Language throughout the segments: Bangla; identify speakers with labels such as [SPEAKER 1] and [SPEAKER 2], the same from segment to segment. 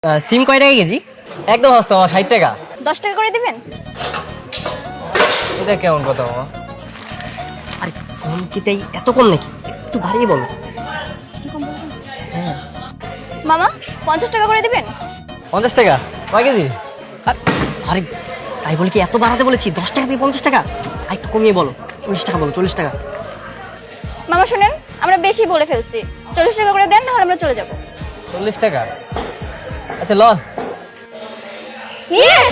[SPEAKER 1] সিম কয় টাকা কেজি? একদম সস্তা মামা, 60 টাকা।
[SPEAKER 2] 10 টাকা করে দিবেন?
[SPEAKER 1] এটা কেমন কথা মামা? আরে কম কিটাই এত কম নাকি? একটু বাড়িয়ে বলো। হ্যাঁ
[SPEAKER 2] মামা 50 টাকা করে দিবেন?
[SPEAKER 1] 50 টাকা কয় কেজি? আরে তাই বলে কি এত বাড়াতে বলেছি? 10 টাকা দিয়ে 50 টাকা? আর একটু কমিয়ে বলো, 40 টাকা বলো, 40 টাকা।
[SPEAKER 2] মামা শুনেন, আমরা বেশি বলে ফেলছি, 40 টাকা করে দেন, তাহলে আমরা চলে যাব।
[SPEAKER 1] 40 টাকা? আচ্ছা ল।
[SPEAKER 2] ইয়েস!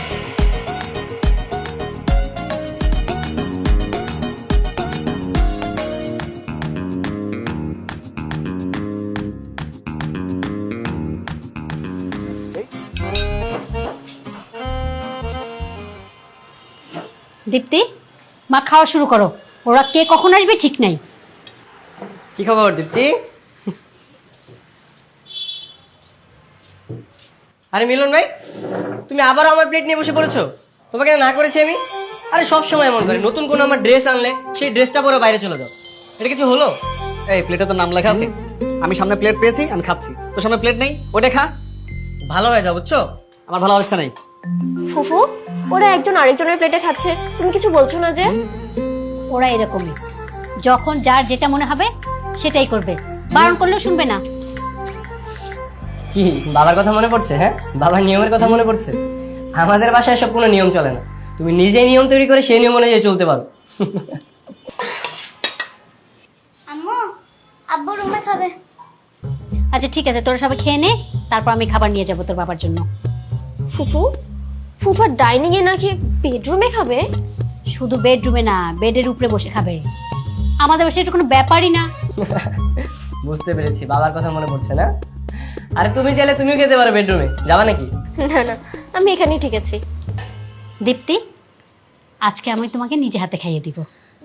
[SPEAKER 3] দীপ্তি, মা খাওয়া শুরু করো। ওরা কে কখন আসবে ঠিক নাই।
[SPEAKER 1] কি খবর দীপ্তি? আরে মিলন ভাই, তুমি আবার আমার প্লেট নিয়ে বসে পড়েছো? তোমাকে না করেছি আমি? আরে সব সময় এমন করে, নতুন কোনো আমার ড্রেস আনলে সেই ড্রেসটা পরে বাইরে চলে যাও। এটা কিছু হলো?
[SPEAKER 4] এই প্লেটে তো নাম লেখা আছে। আমি সামনে প্লেট পেয়েছি, আমি খাচ্ছি। তোর সামনে প্লেট নেই, ওটা খা।
[SPEAKER 1] ভালো হয়ে যাও, বুঝছো?
[SPEAKER 4] আমার ভালো হচ্ছে নাই।
[SPEAKER 2] ফুফু, ওরা একজন আরেকজনের প্লেটে খাচ্ছে, তুমি কিছু বলছো না যে?
[SPEAKER 3] ওরা এরকমই, যখন যার যেটা মনে হবে সেটাই করবে, বারণ করলেও শুনবে না।
[SPEAKER 1] কি বাবার কথা মনে পড়ছে? হ্যাঁ, বাবার নিয়মের কথা মনে পড়ছে? আমাদের বাসায় সব কোনো নিয়ম চলে না, তুমি নিজেই নিয়ম তৈরি করে সেই নিয়ম অনুযায়ী চলতে পারো।
[SPEAKER 2] আম্মু, আব্বু রুমে খাবে।
[SPEAKER 3] আচ্ছা ঠিক আছে, তোরা সবাই খেয়ে নে, তারপর আমি খাবার নিয়ে যাবো তোর বাবার জন্য।
[SPEAKER 2] ফুফু, ফুফা ডাইনিং এ নাকি বেডরুমে খাবে?
[SPEAKER 3] শুধু বেডরুমে না, বেডের উপরে বসে খাবে। আমাদের বাসায় এটা কোনো ব্যাপারই না।
[SPEAKER 1] বুঝতে পেরেছি, বাবার কথা মনে পড়ছে না? আরে তুমি চাইলে তুমিও খেতে পারো বেডরুমে, যাবা নাকি?
[SPEAKER 2] না না, আমি এখানেই ঠিক আছি।
[SPEAKER 3] দীপ্তি, আজকে আমি তোমাকে নিজে হাতে খাইয়ে দিব।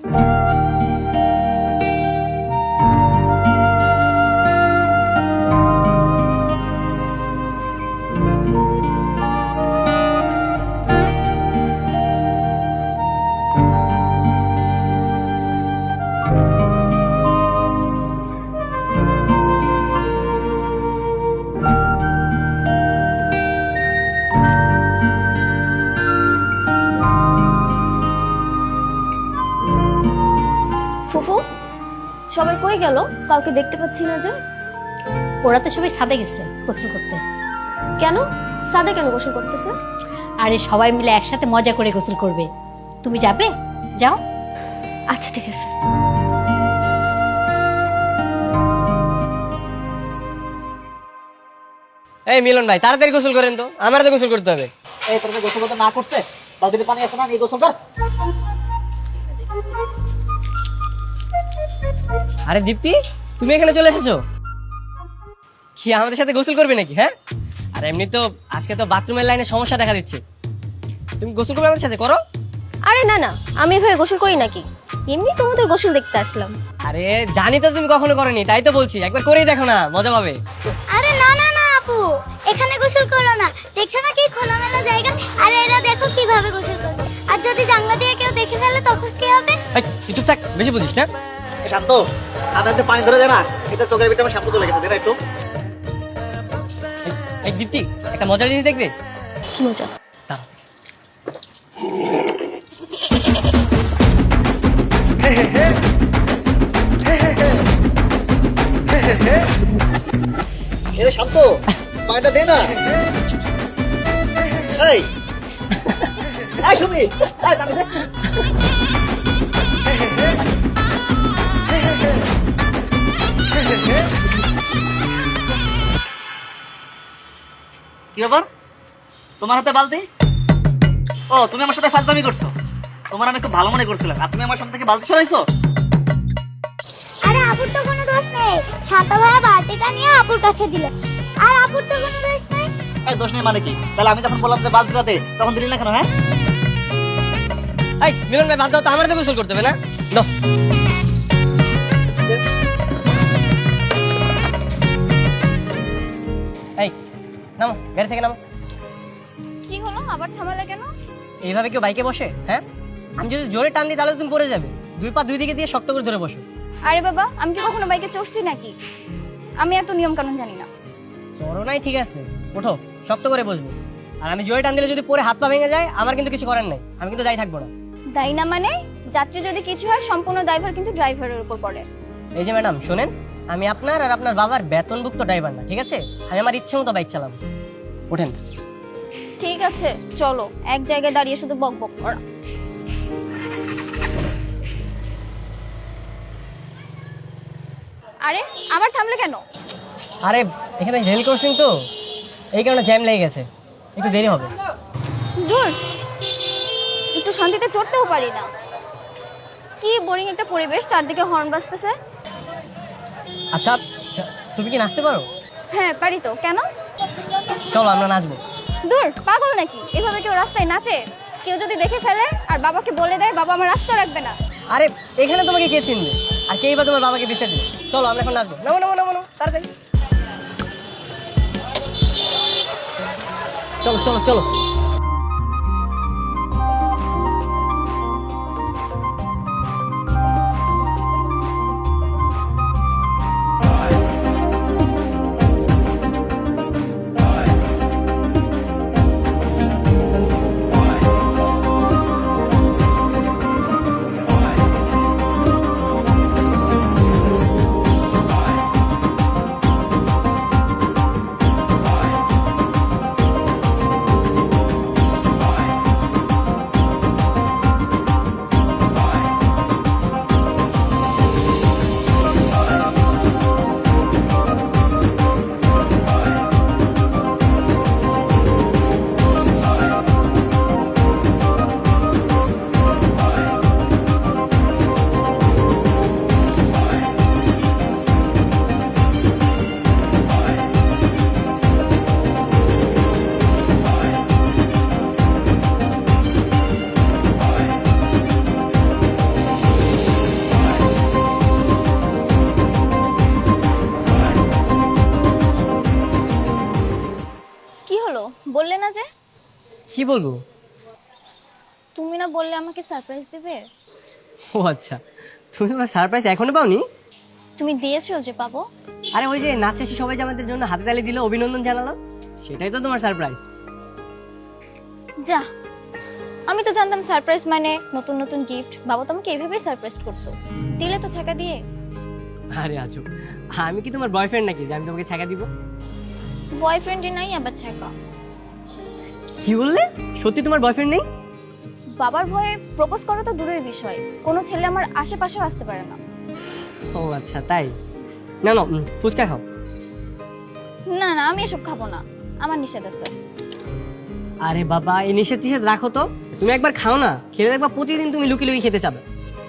[SPEAKER 2] ফুফু, সবাই কই গেল? কাউকে দেখতে পাচ্ছি না যে।
[SPEAKER 3] ওরা তো সবাই ছাদে গেছে গোসল করতে।
[SPEAKER 2] কেন? সাদা কেন গোসল করতেছে?
[SPEAKER 3] আরে সবাই মিলে একসাথে মজা করে গোসল করবে। তুমি যাবে? যাও।
[SPEAKER 2] আচ্ছা ঠিক আছে।
[SPEAKER 1] এই মিলন ভাই, তাড়াতাড়ি গোসল করেন তো, আমার তো গোসল করতে হবে।
[SPEAKER 4] এই তোর গোসল করতে না করছে, বালতিতে পানি আছে না, নিয়ে গোসল কর।
[SPEAKER 1] আরে দীপ্তি, তুমি এখানে চলে এসেছো? কি আমাদের সাথে গোসল করবে নাকি? হ্যাঁ, আর এমনি তো আজকে তো বাথরুমের লাইনে সমস্যা দেখা দিচ্ছে, তুমি গোসল করবে আমাদের সাথে, করো।
[SPEAKER 2] আরে না না, আমি এভাবে গোসল করি নাকি, এমনি তোমাদের গোসল দেখতে আসলাম।
[SPEAKER 1] আরে জানি তো তুমি কখনো করোনি, তাই তো বলছি একবার করেই দেখো না, মজা পাবে।
[SPEAKER 5] আরে না না না আপু, এখানে গোসল করো না। দেখছো না কি খোলামেলা জায়গা? আরে এরা দেখো কিভাবে গোসল করছে। আর যদি জানলা দিয়ে কেউ দেখে ফেলে তখন কি হবে?
[SPEAKER 1] এই, তুই চুপ থাক, বেশি বুঝিস না।
[SPEAKER 4] এ শান্ত, আমি একটু পানি ধরে দে না, এটা চোখের ভিতরে আমার শ্যাম্পু চলে গেছে, দে না একটু।
[SPEAKER 1] এই দীপ্তি, একটা মজার জিনিস দেখবে?
[SPEAKER 2] কি মজা?
[SPEAKER 1] দাঁড়াও।
[SPEAKER 4] এ শান্ত, পানিটা দে না। এই এই সুমি, এই পানি দে। কি ব্যাপার, তোমার হাতে বালতি? ও, তুমি আমার সাথে ফাজলামি করছো? তোমার আমি খুব ভালো মনে করছিলাম, আর তুমি আমার সামনে থেকে বালতি সরাইছো।
[SPEAKER 5] আরে আপুর তো কোনো দোষ নেই। ছাতা ভরা বালতিটা নিয়ে আপুর কাছে দিল। আর আপুর তো কোনো দোষ নেই।
[SPEAKER 4] এই দোষ নেই মানে কি? তাহলে আমি যখন বললাম যে বালতিটা দে, তখন দিলি না কেন? হ্যাঁ,
[SPEAKER 1] এই মিলন ভাই, বাদ দাও তো, আমার তো গোসল করতে হবে না? দাও। এই নামো, গাড়ি থেকে নামো।
[SPEAKER 2] কি হলো, আবার থামালে কেন?
[SPEAKER 1] এইভাবে কেউ বাইকে বসে? হ্যাঁ, আমি যদি জোরে টান দিই তাহলে তো তুমি পড়ে যাবে। দুই পা দুই দিকে দিয়ে শক্ত করে ধরে বসো।
[SPEAKER 2] আরে বাবা, আমি কি কখনো বাইকে চড়ছি নাকি? আমি এত নিয়ম কানুন জানি না।
[SPEAKER 1] চড়ো নাই ঠিক আছে, ওঠো, শক্ত করে বসবো। আর আমি জোরে টান দিলে যদি পরে হাত পা ভেঙে যায়, আমার কিন্তু কিছু করার নাই, আমি কিন্তু দায়ী থাকবো না।
[SPEAKER 2] দায়ী না মানে? যাত্রী যদি কিছু হয় সম্পূর্ণ ড্রাইভার কিন্তু ড্রাইভারের উপর পড়ে।
[SPEAKER 1] এই যে ম্যাডাম শোনেন, আমি আপনার আর আপনার বাবার বেতনভুক্ত ড্রাইভার না, ঠিক আছে? আমি আমার ইচ্ছে মতো বাইক চালাবো। ওঠেন।
[SPEAKER 2] ঠিক আছে চলো, এক জায়গায় দাঁড়িয়ে শুধু বক বক করা। আরে আবার থামলে কেন?
[SPEAKER 1] আরে এখানে রেল ক্রসিং তো, এই কারণে জ্যাম লেগে গেছে, একটু দেরি হবে।
[SPEAKER 2] দূর, একটু শান্তিতে চড়তেও পারি না। কি বোরিং একটা পরিবেশ, চারদিকে হর্ন বাজতেছে।
[SPEAKER 1] আচ্ছা তুমি কি নাচতে পারো?
[SPEAKER 2] হ্যাঁ পারি তো, কেন?
[SPEAKER 1] চলো আমরা নাচবো।
[SPEAKER 2] দূর, পাগল নাকি? এভাবে কেউ রাস্তায় নাচে? কেউ যদি দেখে ফেলে আর বাবাকে বলে দেয়, বাবা আমার রাস্তা রাখবে না।
[SPEAKER 1] আরে এখানে তোমাকে কে চিনবে, আর কেই বা তোমার বাবাকে বিচার দিবে? চলো আমরা এখন নাচবো। নামো নামো নামো নামো, তাড়াতাড়ি চলো চলো চলো।
[SPEAKER 2] কি হলো, বললে না যে?
[SPEAKER 1] কি বলবো?
[SPEAKER 2] তুমি না বললে আমাকে সারপ্রাইজ দেবে?
[SPEAKER 1] ও আচ্ছা, তুমি তোমার সারপ্রাইজ এখনো পাওনি?
[SPEAKER 2] তুমি দিয়েছো যে পাবো।
[SPEAKER 1] আরে ওই যে নাচ শেষে সবাই যে আমাদের জন্য হাতে তালি দিল, অভিনন্দন জানালো, সেটাই তো তোমার সারপ্রাইজ।
[SPEAKER 2] যা, আমি তো জানতাম সারপ্রাইজ মানে নতুন নতুন গিফট। বাবা তো আমাকে এইভাবেই সারপ্রাইজ করতো, দিলে তো ছাকা দিয়ে।
[SPEAKER 1] আরে আছো, আমি কি তোমার বয়ফ্রেন্ড নাকি যে আমি তোমাকে ছাকা দিব?
[SPEAKER 2] বয়ফ্রেন্ডই নাই আবার ছাকা?
[SPEAKER 1] কি বললে? সত্যি তোমার বয়ফ্রেন্ড নেই?
[SPEAKER 2] বাবার ভয়ে প্রপোজ করা তো দূরের বিষয়, কোনো ছেলে আমার আশেপাশেও আসতে পারে না।
[SPEAKER 1] ও আচ্ছা তাই। না না, ফুচকা খাও।
[SPEAKER 2] না না, আমি এসব খাবো না, আমার নিষেধ আছে।
[SPEAKER 1] আরে বাবা, এই নিষেধ টিষেধ রাখো তো, তুমি একবার খাও না, খেলে দেখবা প্রতিদিন তুমি লুকিয়ে লুকিয়ে খেতে চাবে।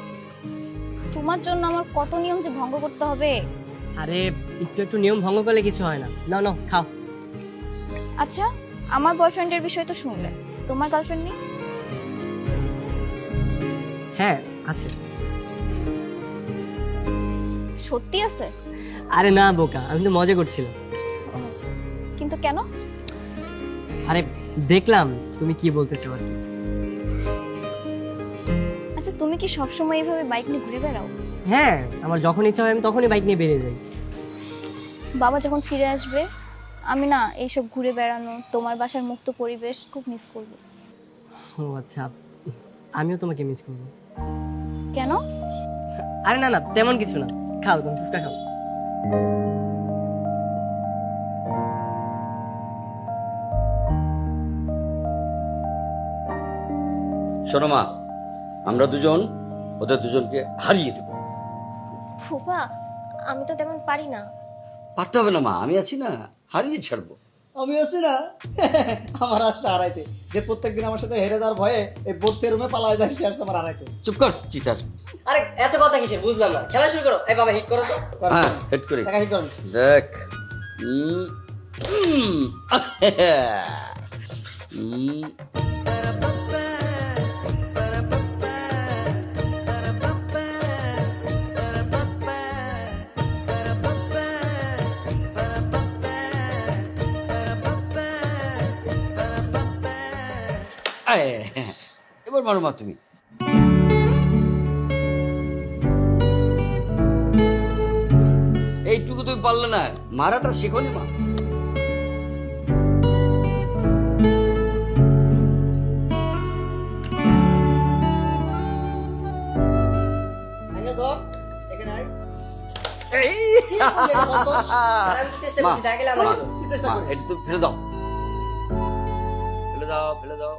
[SPEAKER 2] তোমার জন্য আমার কত নিয়ম যে ভঙ্গ করতে হবে।
[SPEAKER 1] আরে একটু একটু নিয়ম ভঙ্গ করলে কিছু হয় না। নাও নাও খাও।
[SPEAKER 2] আচ্ছা, আমার বয়ফ্রেন্ডের বিষয় তো শুনলে, তোমার গার্লফ্রেন্ড নেই?
[SPEAKER 1] হ্যাঁ আছে।
[SPEAKER 2] সত্যি আছে?
[SPEAKER 1] আরে না বোকা, আমি তো মজা করছিলাম।
[SPEAKER 2] কিন্তু কেন?
[SPEAKER 1] আরে দেখলাম তুমি কি বলতেছো আর কি।
[SPEAKER 2] আচ্ছা, তুমি কি সবসময় এইভাবে বাইক নিয়ে ঘুরে বেড়াও?
[SPEAKER 1] হ্যাঁ, আমার যখন ইচ্ছা হয় আমি তখনই বাইক নিয়ে বেরিয়ে যাই।
[SPEAKER 2] বাবা যখন ফিরে আসবে, আমি না এইসব ঘুরে বেড়ানো, তোমার বাসার মুক্ত পরিবেশ খুব মিস করব।
[SPEAKER 1] ও আচ্ছা, আমিও তোমাকে মিস করবো।
[SPEAKER 2] কেন?
[SPEAKER 1] আরে না না, তেমন কিছু না। খাও, তুমি ফুচকা খাও।
[SPEAKER 6] শোনো মা, আমরা দুজন ওদের দুজনকে হারিয়ে দেব।
[SPEAKER 7] ফুপা, আমি তো তেমন পারি না।
[SPEAKER 6] পারতে হবে না মা, আমি আছি না, হারিয়ে ছাড়বো।
[SPEAKER 4] আমি আছি না, আমার আসছে হারাইতে। যে প্রত্যেকদিন আমার সাথে হেরে যাওয়ার ভয়ে এই বোধের রুমে পালায় যায়, সে আসছে আমার হারাইতে।
[SPEAKER 6] চুপ কর চিটার।
[SPEAKER 1] আরে এত কথা কিসের, বুঝলাম না। খেলা শুরু করো। এই বাবা হিট করো তো।
[SPEAKER 6] হ্যাঁ হেড করে
[SPEAKER 4] দেখা কি করেন?
[SPEAKER 6] দেখ। উম, এবার মারো মা তুমি। এইটুকু তুমি পারলে না, মারাটা শেখোনি মা।
[SPEAKER 1] চেষ্টা
[SPEAKER 6] মা,
[SPEAKER 1] করছি, দেখা গেলে আমার হলো।
[SPEAKER 6] মা, এটা তো ফেলে দাও, ফেলে দাও, ফেলে দাও।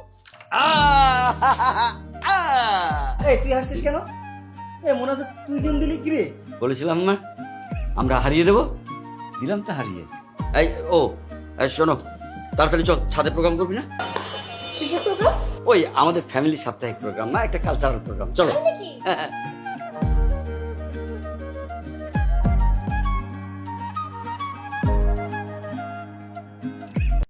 [SPEAKER 4] এই তুই হাসছিস কেন? এ মনে হচ্ছে তুই গেম দিলি কি রে?
[SPEAKER 6] বলেছিলাম না আমরা হারিয়ে দেবো, দিলাম তো হারিয়ে। এই ও এই শোনো, তাড়াতাড়ি চল, ছাদে প্রোগ্রাম করবি না?
[SPEAKER 7] কিসের প্রোগ্রাম?
[SPEAKER 6] ওই আমাদের ফ্যামিলি সাপ্তাহিক প্রোগ্রাম না, একটা কালচারাল প্রোগ্রাম, চলো।
[SPEAKER 7] নাকি?
[SPEAKER 6] হ্যাঁ, হ্যাঁ।